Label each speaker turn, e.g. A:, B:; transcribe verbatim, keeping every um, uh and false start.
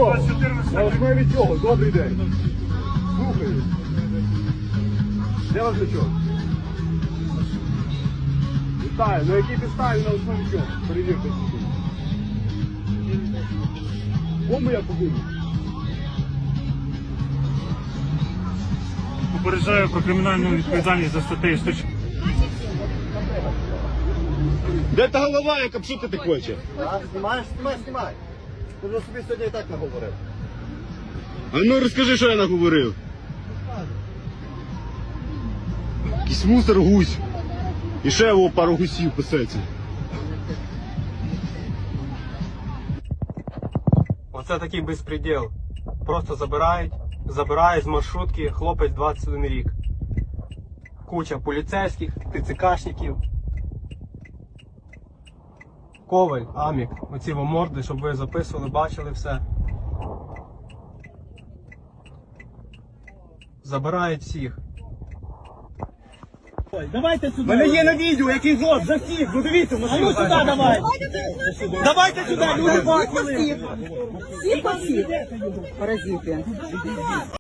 A: чого? На основі чого? Добрий день. Слухаю. Де ваш значок? Вітаю. На якій підставі, на основі чого? Перевірте сюди. Кому я повинен?
B: Попереджаю про кримінальну відповідальність за статтею сто.
A: Де та голова, яка пшути хоче?
C: А, знімаєш? Знімай, знімай. Ти вже собі сьогодні і так наговорив.
A: А ну розкажи, що я наговорив. Якийсь мусор гусь. І ще його пару гусів писеться.
D: Оце такий безпреділ. Просто забирають, забирають з маршрутки хлопець двадцять один рік. Куча поліцейських, ТЦКшників. Коваль, Амік, оці во морди, щоб ви записували, бачили все. Забирають всіх.
E: Давайте сюди.
D: Мене є на відео, який злот, за всіх, ну дивіться,
E: А ну сюди давай.
D: Давайте сюди, люди бачили.
F: Всі посів. Паразити.